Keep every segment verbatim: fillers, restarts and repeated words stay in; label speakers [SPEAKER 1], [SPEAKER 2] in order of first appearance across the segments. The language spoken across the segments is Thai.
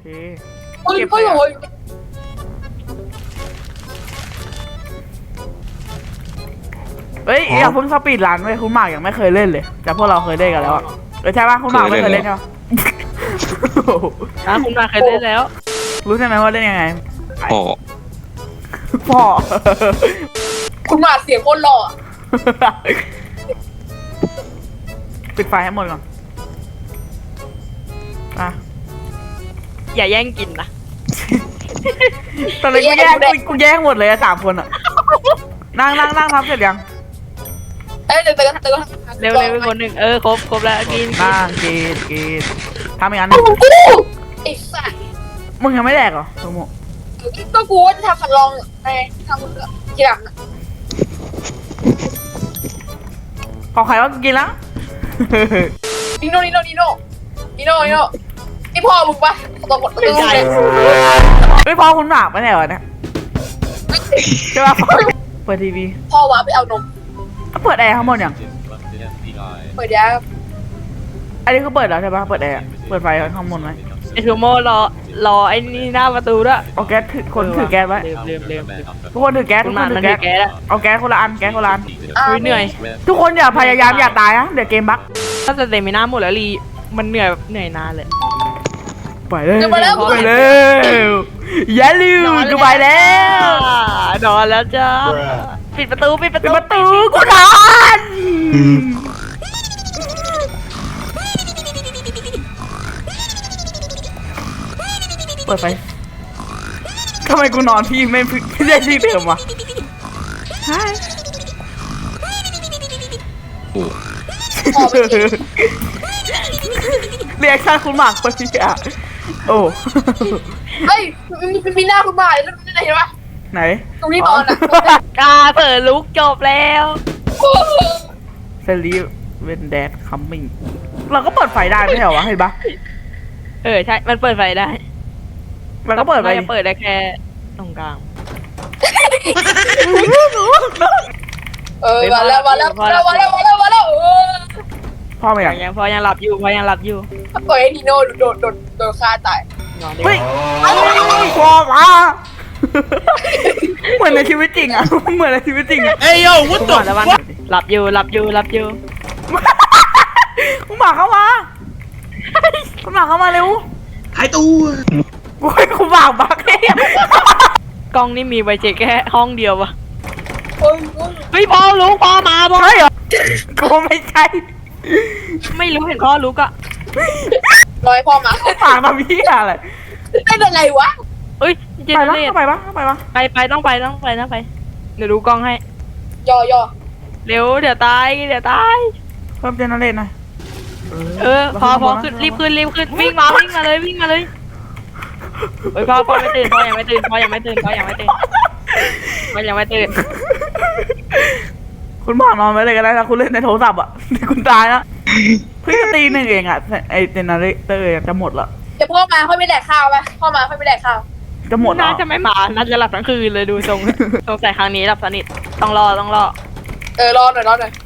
[SPEAKER 1] เฮ้ย
[SPEAKER 2] เก็บ
[SPEAKER 1] เฮ้ย
[SPEAKER 2] ไปอะ
[SPEAKER 1] โอ้ย
[SPEAKER 2] เฮ้ยอย่าเพิ่งสปีดรันเว้ยคุณหมากยังไม่เคยเล่นเลยแต่พวกเราเคยเล่นกันแล้วอะเออใช่ป่ะคุณหมากไม่เคยเล่นใช่ป่ะ
[SPEAKER 3] อ่ะคุณมาเคยเล่นแล้ว
[SPEAKER 2] รู้ใช่ไหมว่าเล่นยังไง
[SPEAKER 4] โอ้
[SPEAKER 2] พ่อ
[SPEAKER 1] คุณหมาเสียงโคตรหล่ออะ
[SPEAKER 2] ปิดไฟให้หมดก่อนอ่ะ
[SPEAKER 3] อย่าแย่งกินนะ
[SPEAKER 2] ตอนนี้กูแย่งกูกูแย่งหมดเลยอะสามคนอะนั่งนั่งนั่งทำเสร็จยัง
[SPEAKER 1] เอ้ยเดี๋ยวเดี๋ยวเดี๋ยว
[SPEAKER 3] เร็วเร็วไปคนหนึ่งเออครบครบแล้วกิน
[SPEAKER 2] นั่งกินกินทำอีกอันห
[SPEAKER 1] กู
[SPEAKER 2] นึง
[SPEAKER 1] กูไอ้สัส
[SPEAKER 2] มึงยังไม่แดกเหรอสมมติ
[SPEAKER 1] ก็กูว่าจะทำขัดลองในทำทีหลังอะ
[SPEAKER 2] ขอใครว่ากูกินแล้ว
[SPEAKER 1] นิโน่นิโน่นิโน่นิโน่นิโน่นี่พ่อมึงปะตัวกดตัวเลย
[SPEAKER 2] เฮ้ยพ่อคุณหมากไม่ใช่เหรอเนี่ยใช่ป่ะเปิดทีวี
[SPEAKER 1] พ่อวะไปเอานม
[SPEAKER 2] เปิดแอร์ข้างบนยัง
[SPEAKER 1] เปิดยา
[SPEAKER 2] อันนี้คือเปิดแล้วใช่ป่ะเปิดแอร์เปิดไฟข้างบนไหม
[SPEAKER 3] ไอทูโมรอรอไอ้นี่หน้าประตูด้วย
[SPEAKER 2] เอาแก๊สถือคนถือแก๊สไว้
[SPEAKER 3] เร็วเร็วเร็ว
[SPEAKER 2] ทุกคนถือแก๊ส
[SPEAKER 3] คุ
[SPEAKER 2] ทุ
[SPEAKER 3] ณ
[SPEAKER 2] กค
[SPEAKER 3] มาน
[SPEAKER 2] ถื
[SPEAKER 3] มัน
[SPEAKER 2] อ
[SPEAKER 3] ถื
[SPEAKER 2] แก๊ส
[SPEAKER 3] อแก๊สอะ
[SPEAKER 2] เอาแก๊สคนละอันแก๊สคนละอัน
[SPEAKER 3] อุ้ยเหนื่อย
[SPEAKER 2] ทุกคนอย่าพยายามอย่าตายนะเดี๋ยวเกมบั๊ก
[SPEAKER 3] ถ้าจะเต็มไม่น่าหมดแล้วรีมันเหนื่อยแบบเหนื่อยนานเลย
[SPEAKER 2] ไปเลยไปเลยอย่าลืมกูไปแล้ว
[SPEAKER 3] นอนแล้วจ้าปิดประตูปิดประ
[SPEAKER 2] ปิด
[SPEAKER 3] ตู
[SPEAKER 2] ประตูกูนอนเปิดไฟทำไมกูนอนพี่ไม่ไม่ได้ที่เดิมวะใช่
[SPEAKER 4] โห
[SPEAKER 1] พ่อไปกิน
[SPEAKER 2] เรียกช่างคุณหมากคนที่อ่ะโอ้
[SPEAKER 1] เฮ้ยมีมีหน้าคุณหมาแล้วนี่เห็นปะ
[SPEAKER 2] ไหน
[SPEAKER 1] ตรงนี้นอนอ่ะ
[SPEAKER 3] กาเปิดลุกจบแล้ว
[SPEAKER 2] เซรีเวนแดดคัมมิ่งเราก็เปิดไฟได้ไม่ใช่เหรอวะเห็นปะ
[SPEAKER 3] เออใช่มันเปิดไฟได้
[SPEAKER 2] เราก็เปิดไฟ
[SPEAKER 3] จะเปิดได้แค่ตรงกลาง
[SPEAKER 1] เออมาแล้วมาแล้วมาแล้วมาแล้วมาแล้วมาแล้วเออ
[SPEAKER 2] พ่อไม่อยาก
[SPEAKER 3] ยังพอยังหลับอยู่พอยังหลับอยู่
[SPEAKER 1] ปล่อยให้นิโน่โดนโดนโดนฆ่าตาย
[SPEAKER 3] นอนดีก
[SPEAKER 2] เฮ้ย
[SPEAKER 3] ว่า
[SPEAKER 2] พ่อมาเหมือนในชีวิตจริงอ่ะเหมือนในชีวิตจริงอ่ะ
[SPEAKER 5] เอ้ยโย่วัด
[SPEAKER 3] คุณห
[SPEAKER 5] ตั
[SPEAKER 3] มอแล้ววันหลับอยู่หลับอยู่หลับอยู่
[SPEAKER 2] คุณหมาเข้ามาคุณหมาเข้ามาเร็ว
[SPEAKER 5] หายตัว
[SPEAKER 2] กูให้คุณหมาบักเอง
[SPEAKER 3] กล้องนี่มีไว้เช็คแค่ห้องเดียววะ
[SPEAKER 1] เฮ้ย
[SPEAKER 3] เฮ้ยพ่อลุกพ่อมาพ่อ
[SPEAKER 2] ใช่เหรอกูไม่ใช่
[SPEAKER 3] ไม่รู้เห็นพ่อลุกอะ
[SPEAKER 1] รอให้พ่อมา
[SPEAKER 2] ปากทำพี่อะไร
[SPEAKER 1] ได้ยังไงวะ
[SPEAKER 3] เอ้ยเจ
[SPEAKER 2] ไป
[SPEAKER 3] เน
[SPEAKER 2] ปะ
[SPEAKER 3] เรต
[SPEAKER 2] ไปปะไปปะ
[SPEAKER 3] ไปไปต้องไปต้องไปต้องไปเดี๋ยวดูกล้องให้
[SPEAKER 1] ย่อย่อ
[SPEAKER 3] เร็วเดี๋ยวตายเดี๋ยวตาย
[SPEAKER 2] เพิ่มเจเนเรตหน่อย
[SPEAKER 3] เออพอพอขึ้นรีบขึ้นรีบขึ้นวิ่งมาวิ่งมาเลยวิ่งมาเลยเฮ้ยพ่อพ่อไม่ตื่นพ่อยังไม่ตื่นพ่อยังไม่ตื่นพ่อยังไม่ตื่นพ่อยังไม่ตื่น
[SPEAKER 2] คุณหมอนอนไว้เลยก็ได้นะคุณเล่นในโทรศัพท์อ่ะเดี๋ยวคุณตายนะเพิ่งจะตีหนึ่งเองอ่ะไอเจเนเรเตอร์จะหมดละ
[SPEAKER 1] เดี๋ยวพ่อมาค่อยไปแดกข้าวไปพ่อมาค่อยไปแดกข้าว
[SPEAKER 2] จะหมด
[SPEAKER 3] น่า
[SPEAKER 2] แล้ว
[SPEAKER 3] จะไม่มาน่าจะหลับทั้งคืนเลยดูทรงสงสัยครั้งนี้หลับสนิทต้องรอต้องรอ
[SPEAKER 1] เออรอหน่อยรอหน่อย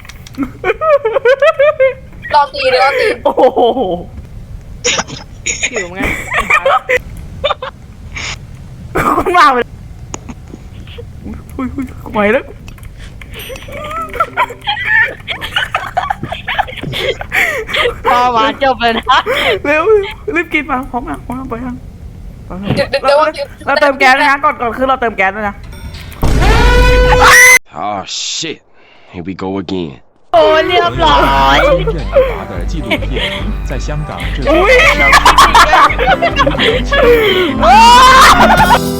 [SPEAKER 1] รอตีเลยรอตี
[SPEAKER 2] โอ้โห
[SPEAKER 3] หิวไง
[SPEAKER 2] คุณมาไปอุ้ยอุ้ยไหวแล้ว
[SPEAKER 3] พ่อมาจบเลยนะ
[SPEAKER 2] เร็วรีบกินมาพร้อมอ่ะพร้อมไปยัง
[SPEAKER 1] เดี๋ยวเดี๋ยว
[SPEAKER 2] เราเราเติมแก๊สนะก่อนก่อนคือเราเติมแก๊สด้วยนะ
[SPEAKER 4] Oh shit here we go again
[SPEAKER 3] โอ้เรียบร้อย
[SPEAKER 5] 任你拔的纪录片在香港制作。
[SPEAKER 2] อุ้ย